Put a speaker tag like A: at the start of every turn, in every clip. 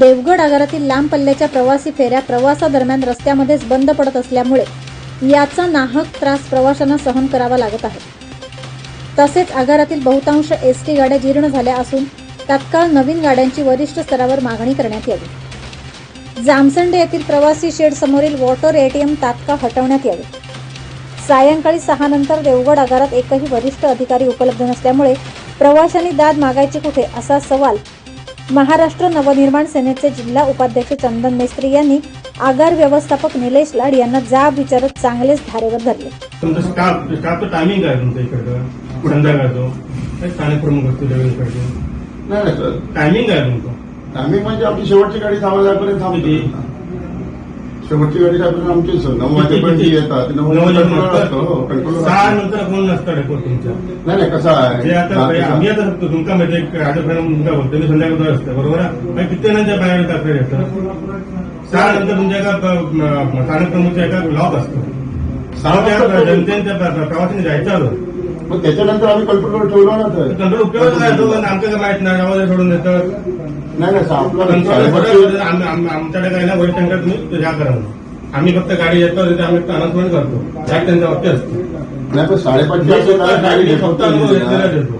A: देवगड आगारातील लांब पल्ल्याच्या प्रवासी फेऱ्या प्रवासादरम्यान रस्त्यामध्येच बंद पडत असल्यामुळे याचा नाहक त्रास प्रवाशांना सहन करावा लागत आहे। तसेच आगारातील बहुतांश एसटी गाड्या जीर्ण झाल्या असून तात्काळ नवीन गाड्यांची वरिष्ठ स्तरावर मागणी करण्यात यावी। जामसंडे येथील प्रवासी शेड समोरील वॉटर एटीएम तात्काळ हटवण्यात यावे। सायंकाळी 6 नंतर देवगड आगारात एकही वरिष्ठ अधिकारी उपलब्ध नसल्यामुळे प्रवाशांनी दाद मागायची कुठे असा सवाल महाराष्ट्र नवनिर्माण सेनेचे जिल्हा उपाध्यक्ष चंदन मेस्त्री यांनी आगार व्यवस्थापक निलेश लाड यांना जाब विचारत चांगलेच धारेवर धरले।
B: तुमचा स्टाफचं टायमिंग आहे तुमच्या इकडं संध्याकाळचं स्थानिक प्रमुख असतो त्यावेळेस
C: नाही सर,
B: टायमिंग आहे तुमचं?
C: टायमिंग म्हणजे आपली शेवटची गाडी 6 वाजेपर्यंत थांबते। शेवटची गाडी साहेब आमची सर 9 वाजेपर्यंत येतात। 9 वाजेपर्यंत कंट्रोल
B: 6 नंतर कोण नसतं डेपोट तुमच्या?
C: नाही कसं आहे,
B: आम्ही आता सांगतो तुमचा म्हणजे राजकारण मुलगा बोलतो मी संध्याकाळ असतं बरोबर आहे। किती जणांच्या बाहेर तक्रार येतात? 6 नंतर तुमच्या एका स्थानिक प्रमुखच्या एका लॉक असतो। 6 जनतेच्या प्रवासाने जायचं आलं
C: मग त्याच्यानंतर आम्ही कंट्रोलवर ठेवलो ना तर
B: कंट्रोल उपयोग काय तो आमचं काय माहित नाही आवाज सोडून देतात।
C: नाही आपला
B: आमच्याकडे काय ना वरिष्ठांकडे तुम्ही ह्या करा आम्ही फक्त गाडी येतो आम्ही अनाउन्समेंट करतो त्यांचा वाक्य असतं।
C: नाही पण 5:30
B: स्वतः अनुभव घेतलेला देतो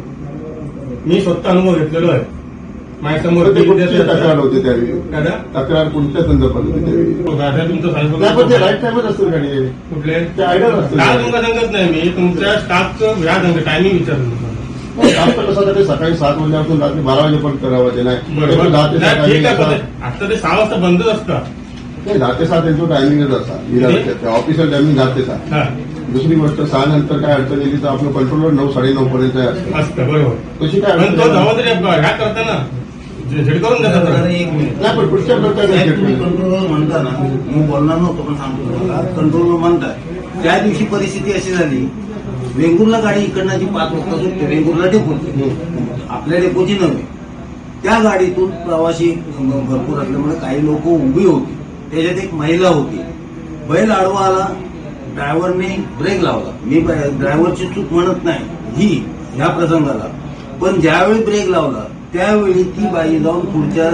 B: मी स्वतः अनुभव घेतलेलो आहे माझ्यासमोर
C: तक्रार होती त्यावेळी तक्रार कोणत्या संदर्भात होती त्यावेळी
B: तुमचं
C: राईट टाइमच असतो गाडी
B: कुठले
C: ते आयडिया असतं
B: तुमका सांगत नाही मी तुमच्या स्टाफचं ह्या टायमिंग विचारलं
C: स्टाफ कसं ते सकाळी 7 वाजल्यापासून रात्री 12 वाजेपर्यंत करावं ते नाही
B: ठीक आहे आता ते 6 वाजता बंदच असतात।
C: 10 ते 7 त्यांचं टायमिंगच असतात ऑफिशियल टायमिंग 10 ते 7। दुसरी गोष्ट 6 नंतर काय अडचण येईल तर आपलं कंट्रोलवर 9 साडेनऊ पर्यंत
B: असतं बरोबर
C: तशी काय
B: तो जबाबदारी ह्या करताना झेड करून देतात
C: नाही पण पुढच्या
D: तुम्ही कंट्रोलवर म्हणता ना मी बोलणार नव्हतो पण सांगतो तुम्हाला कंट्रोलवर म्हणताय त्या दिवशी परिस्थिती अशी झाली वेंगुर्ला गाडी इकडनं जी 5 वाजता सुटते वेंगुर्ला डेपोची आपल्या डेपोची नव्हे त्या गाडीतून प्रवासी भरपूर असल्यामुळे काही लोक उभी होती त्याच्यात एक महिला होती बैल आडवा आला ड्रायव्हरने ब्रेक लावला मी ड्रायव्हरची चूक म्हणत नाही ही ह्या प्रसंगाला पण ज्यावेळी ब्रेक लावला त्यावेळी ती बाई जाऊन पुढच्या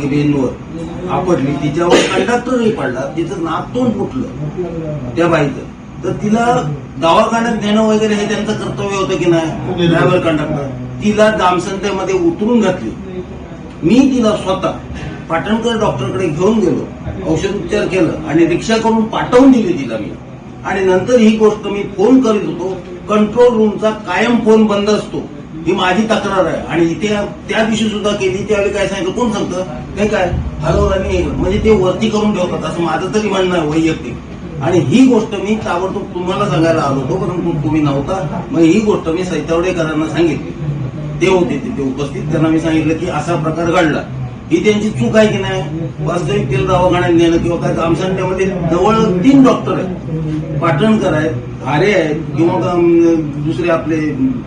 D: रेनवर आपटली तिच्यावर कंडक्टरही पडला तिचं नाक तोंड फुटलं त्या बाईचं तर तिला दवाखान्यात नेणं वगैरे हे त्यांचं कर्तव्य होतं की नाही ड्रायव्हर कंडक्टर तिला जामसंडेमध्ये उतरून घातली मी तिला स्वतः पाटणकर डॉक्टरकडे घेऊन गेलो औषधोपचार केलं आणि रिक्षा करून पाठवून दिली तिला मी आणि नंतर ही गोष्ट मी फोन करीत होतो कंट्रोल रूमचा कायम फोन बंद असतो ही माझी तक्रार आहे आणि इथे त्या दिवशी सुद्धा केली त्यावेळी काय सांगितलं कोण सांगतं हे काय हॅलो आणि म्हणजे ते वरती करून ठेवतात असं माझं तरी म्हणणं आहे वैयक्तिक आणि ही गोष्ट मी ताबडतोब तुम्हाला सांगायला आलो होतो परंतु तुम्ही नव्हता मग ही गोष्ट मी सैतावडेकरांना सांगितली ते होते तिथे उपस्थित त्यांना मी सांगितलं की असा प्रकार घडला ही त्यांची चूक आहे की नाही वास्तविक तेल दवाखान्यात नेणं किंवा काय जामसंडेमध्ये जवळ 3 डॉक्टर आहेत पाटणकर आहेत आरे आहेत किंवा दुसरे आपले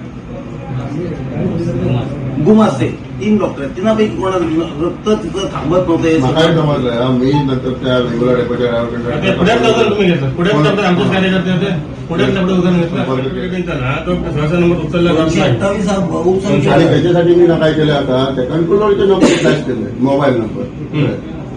D: गुमासे 3 डॉक्टर आहेत त्यांनापैकी कोणाला रक्त तिथं थांबत नव्हतं
C: काय समजलं मी नंतर त्या वेगवेगळ्या डेपोच्या
B: पुढे तुम्ही घेतलं पुढे आमचेच कार्यकर्ते होते पुढे उदाहरण घेतलं तो सहसा नंबर उचलला जात नाही
D: 28 हा भाऊ
C: आणि त्याच्यासाठी मी काय केलं आता त्या कंट्रोलरचे नंबर फ्लॅश केले मोबाईल नंबर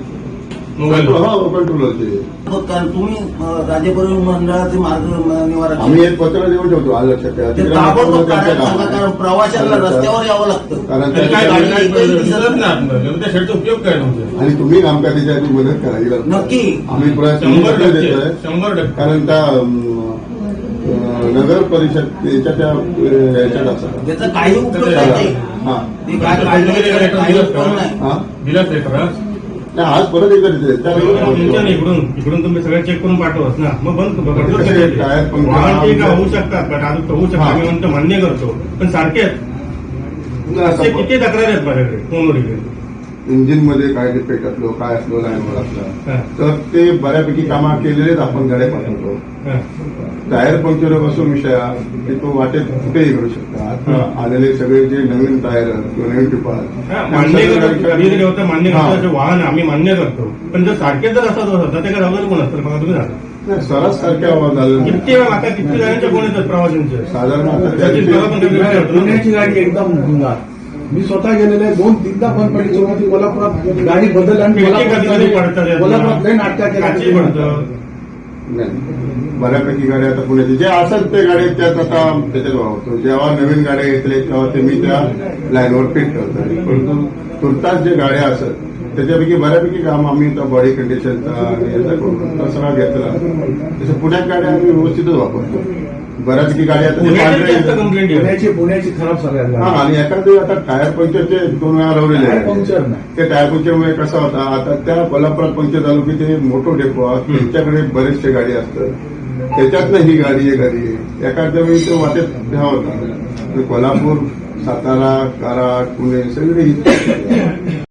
C: कंट्रोलरचे
D: कारण तुम्ही राज्य परिवहन मंडळाचे मार्ग निवारण
C: आम्ही एक पत्र देऊन ठेवतो आज लक्षात
D: कारण प्रवाशांना रस्त्यावर यावं लागतं
C: कारण
B: उपयोग काय
C: आणि तुम्ही आमच्या त्याच्यासाठी मदत करावी लागते
D: नक्की
C: आम्ही प्रयत्न देतोय
B: 100%
C: कारण त्या नगर परिषद याच्यात असं
D: त्याचा काही उपयोग नाही ते काय काही उपयोग नाही
B: दिलाच
C: नाही आज परत
B: इकडून तुम्ही सगळं चेक करून पाठवत ना मग बंद
C: टायर
B: होऊ शकतात पण अजून होऊ शकतात मी म्हणतो मान्य करतो पण सारखे किती तक्रार आहेत माझ्याकडे फोनवर
C: इंजिन मध्ये काय डिफेक्ट असलो काय असलो लाईनवर असला तर ते बऱ्यापैकी कामा केलेलेच आपण गाड्या पाठवतो टायर पंक्चरपासून विषय की तो वाटेत कुठेही घडू शकतो आता आलेले सगळे जे नवीन टायर किंवा नवीन टिपार
B: मान्य करतो वाहन आम्ही मान्य करतो पण जर सारखेच जर असं होतं ते काय जबाबदार कोण असतं बघा तुम्ही झालं
C: सरस सारख्या झालं
B: किती आता किती जणांच्या कोण येतात प्रवाशांचे
C: साधारण
E: पुण्याची गाडी एकदम मी स्वतः गेलेले 2-3दा बंद पडली सुरुवाती कोल्हापुरात गाडी बदल आणि
B: खिडकी कधी पडतात यातनं.
E: कोल्हापुरात लई नाटक
B: काची
E: केलं
B: पडतं.
C: नाही बऱ्यापैकी गाड्या आता पुण्याची जे असेल ते गाडी त्यात आता त्याच्यात वापरतो. जेव्हा नवीन गाड्या घेतल्या तेव्हा ते मी त्या लाईनवर फिट करतो. परंतु तुर्तास जे गाड्या असत त्याच्यापैकी बऱ्यापैकी काम आम्ही त्या बॉडी कंडिशनचा आणि याचा करून तो सगळा घेतला. तसं पुण्यात गाड्या आम्ही व्यवस्थितच वापरतो. बऱ्यापैकी गाड्या आता ते
B: पुण्याची जास्त
C: पांढरे
B: कंप्लेंट येते.
E: पुण्याची खराब सगळ्यात
C: हा आणि एखादे आता टायर पंक्चरचे 2 वेळा लावलेले
E: टायर
C: आहेत.
E: पंक्चर नाही.
C: ते टायर पंक्चरमुळे कसा होता आता त्या कोल्हापुरात पंक्चर झालो की ते मोठं डेपो आहे त्यांच्याकडे बरेचसे गाडी असतात त्याच्यातनं ही गाडी आहे घरी एखाद्या वेळी तो वाटेत घ्यावा होता कोल्हापूर सातारा कराड पुणे सगळे